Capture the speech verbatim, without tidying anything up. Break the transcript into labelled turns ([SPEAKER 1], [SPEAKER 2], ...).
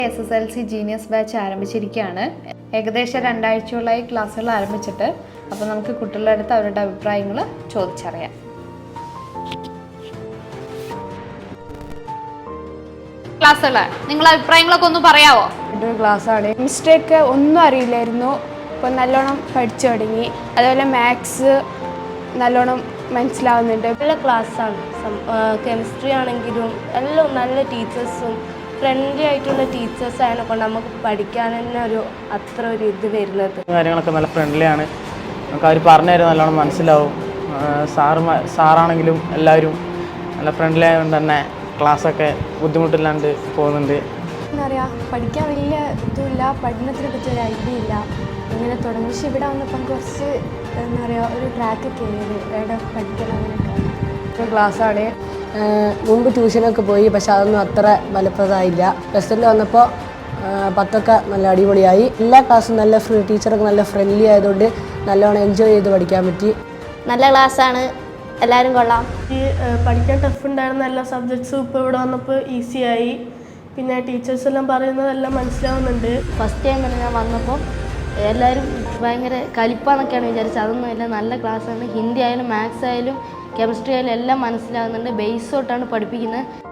[SPEAKER 1] S S L C genius batch ആരംഭിച്ചിരിക്കുകയാണ്. ഏകദേശം രണ്ടാഴ്ചയോളായി ക്ലാസ്സുകൾ ആരംഭിച്ചിട്ട്. അപ്പോൾ നമുക്ക് കുട്ടികളുടെ അടുത്ത് അവരുടെ അഭിപ്രായങ്ങൾ ചോദിച്ചറിയാം. ക്ലാസ്സുകളാണ്, നിങ്ങളുടെ അഭിപ്രായങ്ങളൊക്കെ ഒന്ന് പറയാമോ?
[SPEAKER 2] ഒരു ക്ലാസ്സാണ്. മിസ്റ്റേക്ക് ഒന്നും അറിയില്ലായിരുന്നു, ഇപ്പോൾ നല്ലോണം പഠിച്ചു തുടങ്ങി. അതുപോലെ മാത്സ് നല്ലോണം മനസ്സിലാവുന്നുണ്ട്.
[SPEAKER 3] നല്ല ക്ലാസ്സാണ്. കെമിസ്ട്രി ആണെങ്കിലും എല്ലാം നല്ല ടീച്ചേഴ്സും ഫ്രണ്ട്ലി ആയിട്ടുള്ള ടീച്ചേഴ്സ് ആയതുകൊണ്ട് നമുക്ക് പഠിക്കാൻ തന്നെ ഒരു അത്ര ഒരു ഇത് വരുന്നത്.
[SPEAKER 4] കാര്യങ്ങളൊക്കെ നല്ല ഫ്രണ്ട്ലിയാണ്. നമുക്ക് അവർ പറഞ്ഞു തരും, നല്ലോണം മനസ്സിലാവും. സാറ് സാറാണെങ്കിലും എല്ലാവരും നല്ല ഫ്രണ്ട്ലി ആയതുകൊണ്ട് തന്നെ ക്ലാസ്സൊക്കെ ബുദ്ധിമുട്ടില്ലാണ്ട് പോകുന്നുണ്ട്.
[SPEAKER 2] എന്താ പറയുക, പഠിക്കാൻ വലിയ ഇതുമില്ല, പഠനത്തിനെ പറ്റി ഒരു ഐഡിയ ഇല്ല. ഇങ്ങനെ തുടങ്ങി. പക്ഷെ ഇവിടെ വന്നപ്പം കുറച്ച് എന്താ പറയുക ഒരു ട്രാക്കൊക്കെ ആയത് എവിടെ പഠിക്കണം അങ്ങനെയൊക്കെ.
[SPEAKER 5] ക്ലാസ്സാണ്. മുമ്പ് ട്യൂഷനൊക്കെ പോയി, പക്ഷെ അതൊന്നും അത്ര ഫലപ്രദമായില്ല. പ്ലസ് ടുവിൽ വന്നപ്പോൾ പത്തൊക്കെ നല്ല അടിപൊളിയായി. എല്ലാ ക്ലാസ്സും നല്ല ഫ്രീ, ടീച്ചറൊക്കെ നല്ല ഫ്രണ്ട്ലി ആയതുകൊണ്ട് നല്ലോണം എൻജോയ് ചെയ്ത് പഠിക്കാൻ പറ്റി.
[SPEAKER 3] നല്ല ക്ലാസ്സാണ്, എല്ലാവരും കൊള്ളാം.
[SPEAKER 6] ഈ പഠിക്കാൻ ടഫ് ഉണ്ടായിരുന്ന എല്ലാ സബ്ജക്ട്സും ഇപ്പോൾ ഇവിടെ വന്നപ്പോൾ ഈസിയായി. പിന്നെ ടീച്ചേഴ്സ് എല്ലാം പറയുന്നതെല്ലാം മനസ്സിലാവുന്നുണ്ട്.
[SPEAKER 3] ഫസ്റ്റ് ടൈം തന്നെ ഞാൻ വന്നപ്പോൾ എല്ലാവരും ഭയങ്കര കലിപ്പാന്നൊക്കെയാണ് വിചാരിച്ചത്. അതൊന്നുമില്ല, നല്ല ക്ലാസ്സാണ്. ഹിന്ദി ആയാലും മാത്സ് ആയാലും കെമിസ്ട്രി ആയാലും എല്ലാം മനസ്സിലാകുന്നുണ്ട്. ബേസ് തൊട്ടാണ് പഠിപ്പിക്കുന്നത്.